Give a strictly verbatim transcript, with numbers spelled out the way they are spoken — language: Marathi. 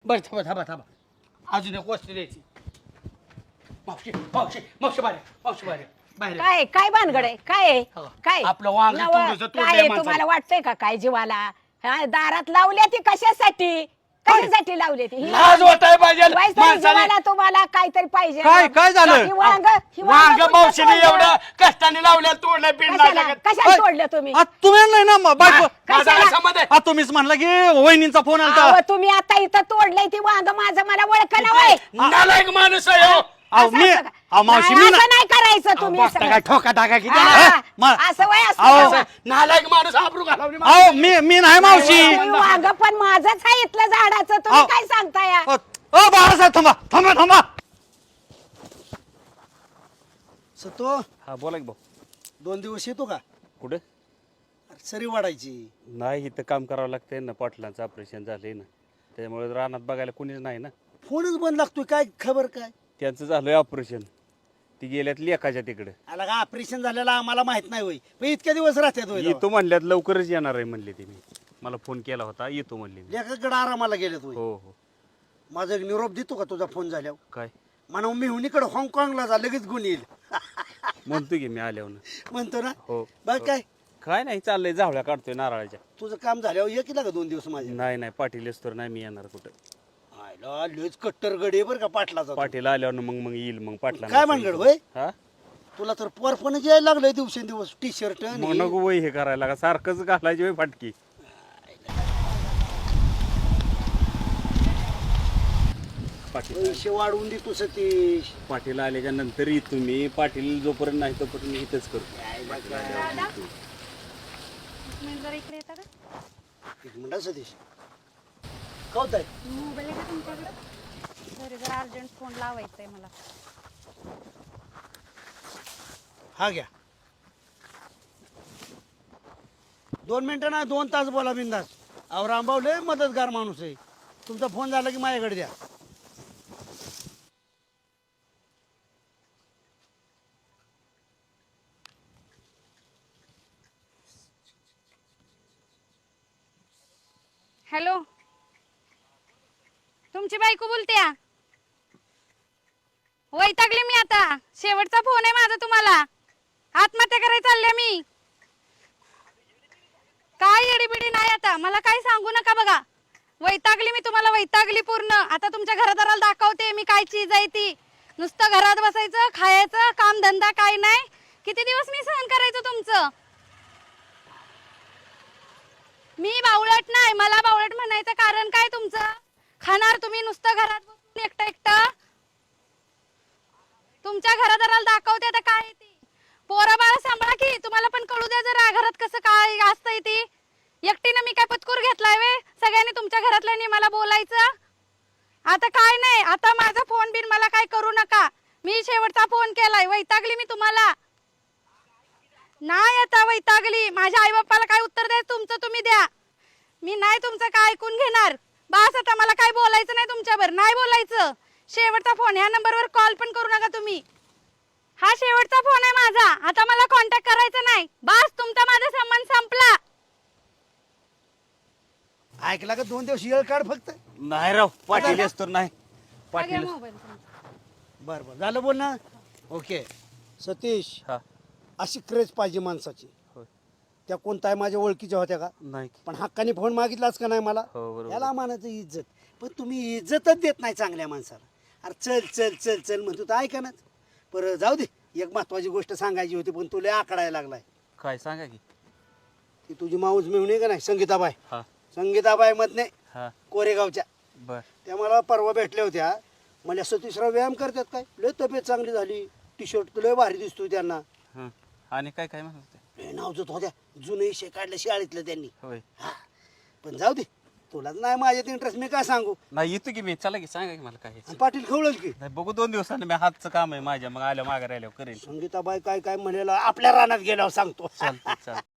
बरं थांबा थांबा थांबा अजून एक वस्तू द्यायची. मावशी मावशी मावशी बाहेर मावशी बाहेर बाहेर काय काय भानगड आहे काय आहे? हो. काय आपलं वांग नवं, थोडंसं तोडलंय काय आहे? माणसानं. तुम्हाला वाटतंय का काय जीवाला हा, दारात लावल्या ती कशासाठी कशासाठी लावली ती ही लाज वाटाय पाहिजे वाईस तरी माणसाने. जीवाला तुम्हाला काहीतरी पाहिजे काय- काय झालं? ही वांग ही वांग कुठं मावशीने तोडलं? एवढं कष्टाने लावल्या तोडल्या पिन कशाला कशाला तोडलं तुम्ही आ, तुम्ही नाही ना म- बायको माझा कशाला? समज आ, तुम्हीच म्हणला की वहिनींचा फोन आलता अहो, तुम्ही आता इथं तोडलंय ती वांग माझं मला ओळखलं वय नालायक माणूस आहे हो. अहो, असं मी असं का? अहो, मावशी नाही, मी ना असं नाही करायचं तुम्ही बघता सगळं. काय ठोका टाका किती हा, ना. हा, मा- असं वय असतं अहो, का? असं नालायक माणूस आबरू घालवली अहो मी मी नाही मावशी तुम्ही वांग पण माझंच आहे इथलं झाडाचं तुम्ही अहो. काय सांगताय अ अ, बाळासाहेब थांबा थांबा थांबा सतो हा बोला की भाऊ. दोन दिवस येतो का कुठं अरे सरी वाढायची नाही इथं काम करावं लागतंय ना पाटलांचं ऑपरेशन झालंय ना त्यामुळे रानात बघायला कुणीच नाही ना फोनच बंद लागतोय काय खबर काय त्यांचं झालंय ऑपरेशन ती गेल्यात लेखाच्या तिकडे आला का ऑपरेशन झालेला आम्हाला माहित नाही होय पण इतक्या दिवस राहतात होय येतो म्हणल्यात लवकरच येणार आहे म्हणले ते मी मला फोन केला होता येतो म्हणले मी लेखाकडे आरामाला गेलेत होय हो हो माझा एक निरोप देतो का तुझा फोन झाल्यावर काय म्हणून मी हुनीकडे हाँगकाँगला जा लगेच गुण येईल म्हणतो की मी आल्यावर म्हणतो ना हो बघ काय काय नाही चाललंय जावळ्या काढतोय नारळाच्या तुझं काम झाल्यावर ये केला का दोन दिवस माझ्या नाही नाही पाटील तर नाही मी येणार कुठं आयला लयच कट्टर गडी बरं का पाटलाचा तो. पाटील आल्यावर मग मग येईल मग पाटला काय भानगड होय? हा तुला तर परपणच यायला लागलंय दिवसेंदिवस टी शर्ट मग नको वय हे करायला का सारखंच घालायची वय फाटकी पाटील पैसे वाढवून देतो सतीश पाटील आल्याच्या नंतर येतो मी पाटील जोपर्यंत नाही तोपर्यंत मी इथंच करतो जरा इकडे येता का एक मिनिट सतीश कौत आहे मोबाईल आहे का तुमच्याकडे सॉरी जरा अर्जंट फोन लावायचा आहे मला हा घ्या दोन मिनिटं ना दोन तास बोला बिंदास अहो रामभाऊ लय मदतगार माणूस आहे तुमचा फोन झाला की माझ्याकडे द्या हॅलो तुमची बायको बोलते वैतागले मी आता शेवटचा फोन आहे माझा तुम्हाला आत्महत्या करायला चालल्या मी काय येडीबिडी नाही आता मला काही सांगू नका बघा वैतागली मी तुम्हाला वैतागली पूर्ण आता तुमच्या घरादाराला दाखवते मी काय चीज आहे ती नुसतं घरात बसायचं खायचं काम धंदा काय नाही किती दिवस मी सहन करायचं तुमचं मी बावळट नाही मला बावळट म्हणायचं कारण काय तुमचं खाणार तुम्ही नुसतं घरात बसून एकटं एकटं तुमच्या घरादाराला दाखवते आता काय ती पोरा बाळा सांभाळा की तुम्हाला पण कळू द्या जरा घरात कसं काय असतंय ती एकटीनं मी काय पत्कूर घेतलाय वे सगळ्यांनी तुमच्या घरातल्यानी मला बोलायचं आता काय नाही आता माझा फोन बिन मला काय करू नका मी शेवटचा फोन केलाय वैतागली मी तुम्हाला नाही आता वैतागली माझ्या आई बाप्पाला काय उत्तर द्यायचं तुमचं तुम्ही द्या मी नाही तुमचं काय ऐकून घेणार बस आता मला काय बोलायचं नाही तुमच्यावर नाही बोलायचं शेवटचा फोन ह्या नंबरवर कॉल पण करू नका तुम्ही हा शेवटचा फोन आहे माझा आता मला कॉन्टॅक्ट करायचा नाही बस तुमचा माझा संबंध संपला ऐकला का दोन दिवस येळ काढ फक्त नाही राव पाटील तर नाही पाटील मोबाईल बरं बरं झालं बोल ना ओके सतीश हा अशी क्रेज पाहिजे माणसाची होय. त्या कोणत्या माझ्या ओळखीच्या होत्या का नाही पण हक्काने फोन मागितलाच का नाही मला हो बरोबर याला मानायचं इज्जत पण तुम्ही इज्जतच देत नाही चांगल्या माणसाला अरे चल चल चल चल म्हणतो तर ऐका नाच बरं जाऊ दे एक महत्वाची गोष्ट सांगायची होती पण तुला आकडायला लागलाय काय सांगा की ती तुझी माऊस मिळून आहे का नाही संगीताबाई हा संगीताबाई मधने हा कोरेगावच्या बर त्या मला परवा भेटल्या होत्या मला सतीशराव व्यायाम करतात काय लय तब्येत चांगली झाली टी शर्ट लय भारी दिसतोय त्यांना हं. आणि काय काय म्हणत होते लय नाव होत्या जुने विषय काढले शाळेतलं त्यांनी होय हा पण जाऊ दे तुलाच नाही माझ्यात इंटरेस्ट मी काय सांगू नाही येतो की मी चला की सांगा की मला काय आहे. आणि पाटील खवळल की नाही बघू दोन दिवसांनी मी हातचं काम आहे माझ्या मग आल्या मागे राहिल्यावर करेल संगीताबाई काय काय म्हणेल आपल्या रानात गेल्यावर सांगतो चालतं चालतं